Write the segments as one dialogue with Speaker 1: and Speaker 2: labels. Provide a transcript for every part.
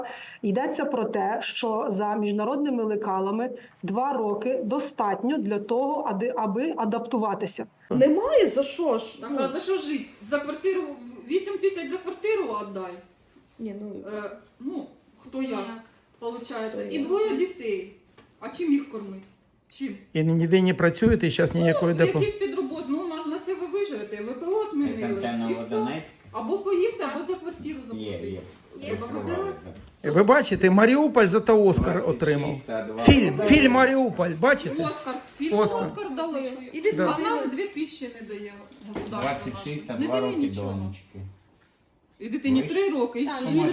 Speaker 1: Йдеться про те, що за міжнародними лекалами 2 роки достатньо для того, аби адаптуватися.
Speaker 2: Немає за що ж?
Speaker 3: Так, а за що жити? За квартиру 8 тисяч за квартиру віддай.
Speaker 2: Ні,
Speaker 3: Хто як, виходить. І 2 дітей. А чим їх кормити? Чим?
Speaker 4: І ніде не працюєте, і зараз ніякої допомоги.
Speaker 3: Якісь підробот, на це ви виживете. ВПО відмінили. І все. Або поїсти, або за квартиру заплатити. Треба вибирати.
Speaker 4: Ви бачите, Маріуполь за то Оскар отримав. Фільм «Маріуполь», бачите?
Speaker 3: Оскар дали.
Speaker 4: Да.
Speaker 3: А нам 2000 не дає государство.
Speaker 5: 26 на
Speaker 3: Не
Speaker 5: 2
Speaker 3: дає
Speaker 5: роки
Speaker 3: нічого.
Speaker 5: донечки.
Speaker 3: І дитині 3 роки, і ще.
Speaker 2: У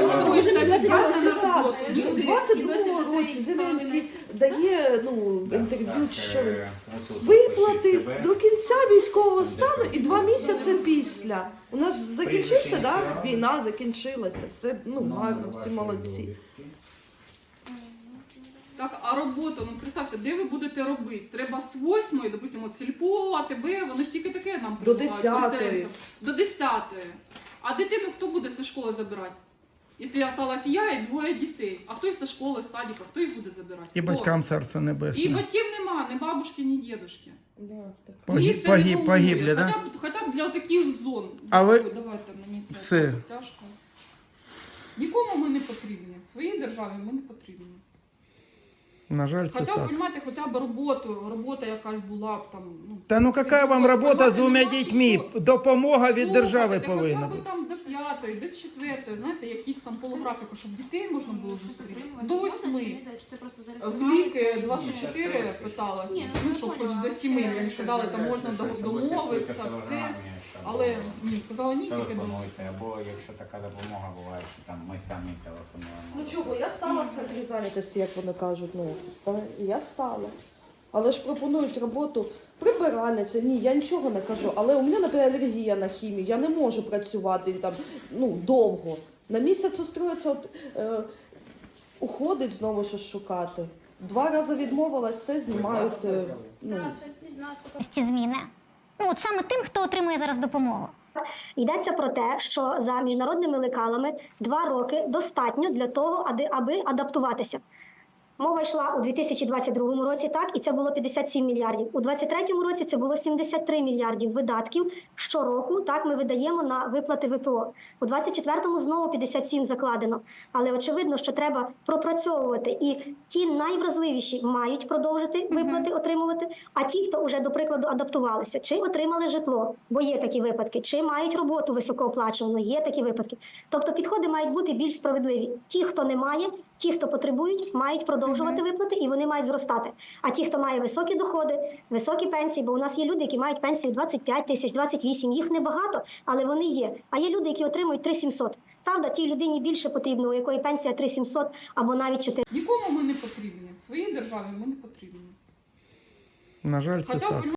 Speaker 2: 22-му році Зеленський дає інтерв'ю, що виплати до кінця військового стану і 2 місяці після. У нас закінчився, да? Війна закінчилася, все гарно, всі молодці.
Speaker 3: Так, а роботу, представте, де ви будете робити? Треба з 8-ї, допустимо, сільпо, АТБ, вони ж тільки таке нам
Speaker 2: До
Speaker 3: предлагають,
Speaker 2: 10-ї.
Speaker 3: переселенцям. До 10-ї. А дитину хто буде зі школи забирати? Якщо залишилась я і 2 дітей. А хто їх зі школи, з садика, хто їх буде забирати?
Speaker 4: І
Speaker 3: Хто?
Speaker 4: батькам царство
Speaker 3: І
Speaker 4: небесне.
Speaker 3: батьків нема, ні бабушки, ні дідушки.
Speaker 4: Погибли, да?
Speaker 3: Хоча б для таких зон.
Speaker 4: А ви-
Speaker 3: Давайте мені це
Speaker 4: Все.
Speaker 3: тяжко. Нікому ми не потрібні. Своїй державі ми не потрібні.
Speaker 4: На жаль, це
Speaker 3: Хоча б,
Speaker 4: так.
Speaker 3: розумієте, хоча б робота якась була б там.
Speaker 4: Та ну яка вам робота з 2 дітьми? Допомога від держави
Speaker 3: Слухайте,
Speaker 4: повинна
Speaker 3: хоча б
Speaker 4: бути.
Speaker 3: там до 5-ї, до 4-ї, знаєте, якісь там полуграфіку, щоб дітей можна було зустріти. До 8-ї. В ліки 24 питалась, щоб хоч до 7. Мені сказали, там можна домовитися, все. Але ні, сказали ні, тільки до 8.
Speaker 5: Телефонуйте, або якщо така допомога буває, що там ми самі телефонуємо.
Speaker 2: Ну чого, я стала в центрі зайнятості, як вони кажуть, і я стала. Але ж пропонують роботу прибиральниця. Ні, я нічого не кажу. Але у мене, наприклад, алергія на хімію. Я не можу працювати там довго. На місяць устроїться, уходить знову щось шукати. 2 рази відмовилась, все знімають.
Speaker 6: Ці зміни. От саме тим, хто отримує зараз допомогу.
Speaker 7: Йдеться про те, що за міжнародними лекалами 2 роки достатньо для того, аби адаптуватися. Мова йшла у 2022 році, так, і це було 57 мільярдів. У 2023 році це було 73 мільярдів видатків щороку, так, ми видаємо на виплати ВПО. У 2024 знову 57 закладено. Але очевидно, що треба пропрацьовувати. І ті найвразливіші мають продовжити виплати отримувати, а ті, хто вже, до прикладу, адаптувалися, чи отримали житло, бо є такі випадки, чи мають роботу високооплачувану, є такі випадки. Тобто підходи мають бути більш справедливі. Ті, хто не має, ті, хто потребують, мають продовжувати виплати і вони мають зростати. А ті, хто має високі доходи, високі пенсії, бо у нас є люди, які мають пенсію 25 тисяч, 28, їх небагато, але вони є. А є люди, які отримують 3700. Правда, тій людині більше потрібно, у якої пенсія 3700 або навіть 4.
Speaker 3: Нікому ми не потрібні. Своїй державі ми не потрібні.
Speaker 4: На жаль, це
Speaker 3: Хоча б,
Speaker 4: так.